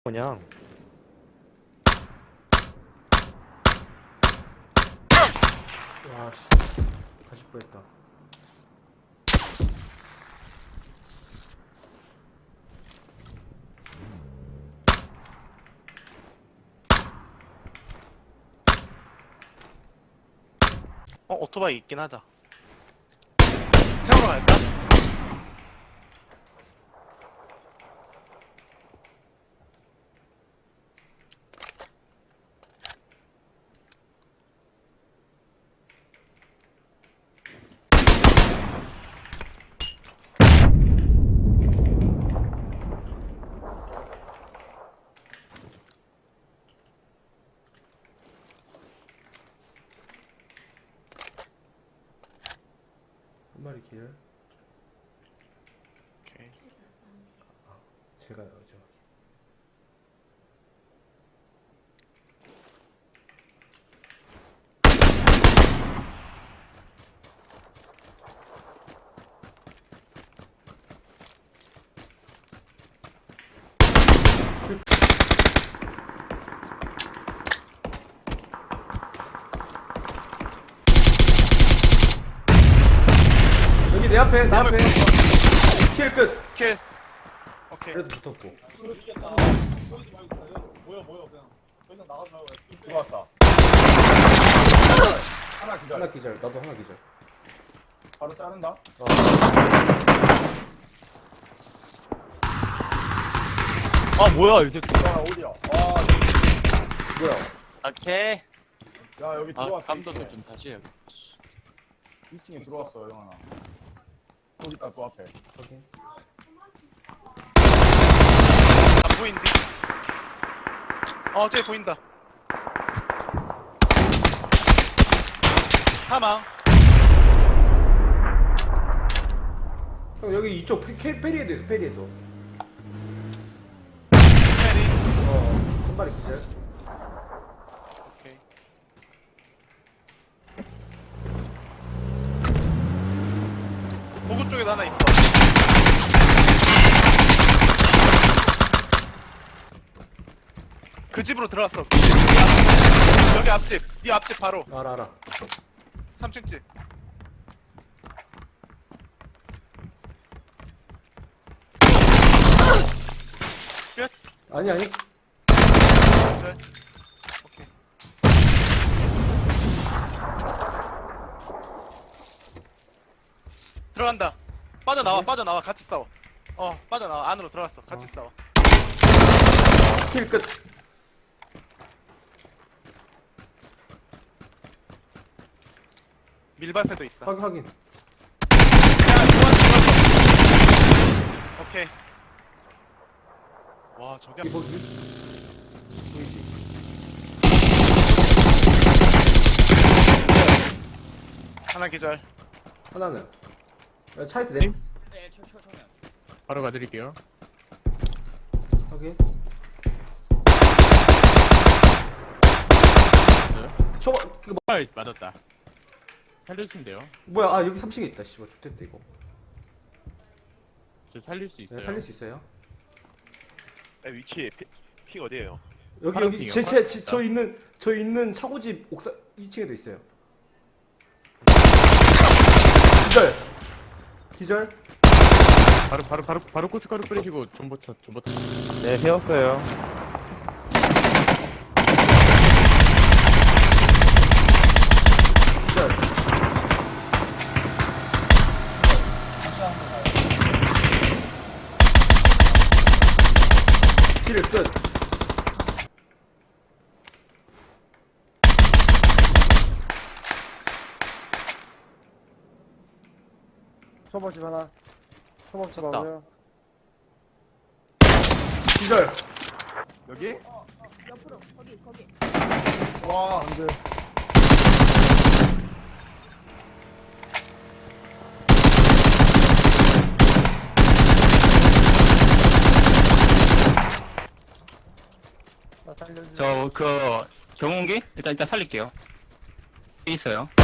그냥 와, 씨. 가실 뻔했다. 오토바이 있긴 하다. 태우러 갈까? 한 마리 길. 오케이. 제가 저 여기 내 앞에, 내 앞에. 킬 끝. 킬. 오케이. 그래도 붙었고. 들어왔다. 하나 기다려. 하나 기절. 나도 하나 기절. 바로 자른다. 아 뭐야 이 새끼. 야 어디야? 와, 뭐야? 오케이. 야 여기 아 들어왔어. 감도도 좀 다시 해요. 2층에 들어왔어 영환아. 거기 있다 또 앞에. 확인. 안 보인디? 쟤 보인다. 사망. 형, 여기 이쪽 페리에도 있어, 페리에도. 페리. 한 마리 기절. 오케이. 보급 쪽에도 하나 있어. 그 집으로 들어왔어. 그 집. 여기 앞집. 이 앞집 바로. 알아. 3층 집. 끝. 아니. 네. 오케이. 들어간다. 빠져나와. 같이 싸워. 빠져나와. 안으로 들어갔어. 같이 싸워. 킬 끝. 밀밭에도 있다. 확인. 야, 좋았어. 오케이. 와, 저기 이거 보이지? 하나 기절. 하나는. 야, 차에 내. 바로 가드릴게요. 확인. 네. 저거 이거 아, 맞았다. 살려주시면 돼요. 뭐야? 아, 여기 3층에 있다. 씨발 좋댔다 이거. 저 살릴 수 있어요. 네, 살릴 수 있어요? 위치 픽 어디에요? 여기 파란 여기 핑이요? 저 있는 차고집 옥상 2층에도 있어요. 기절. 바로 고춧가루 뿌리시고 전보차. 네, 세웠어요. 기절. 킬 끝. 초보집 하나. 초보집 하고요. 기절. 여기? 옆으로 거기 와 안돼. 저 그 경운기 일단 살릴게요. 있어요.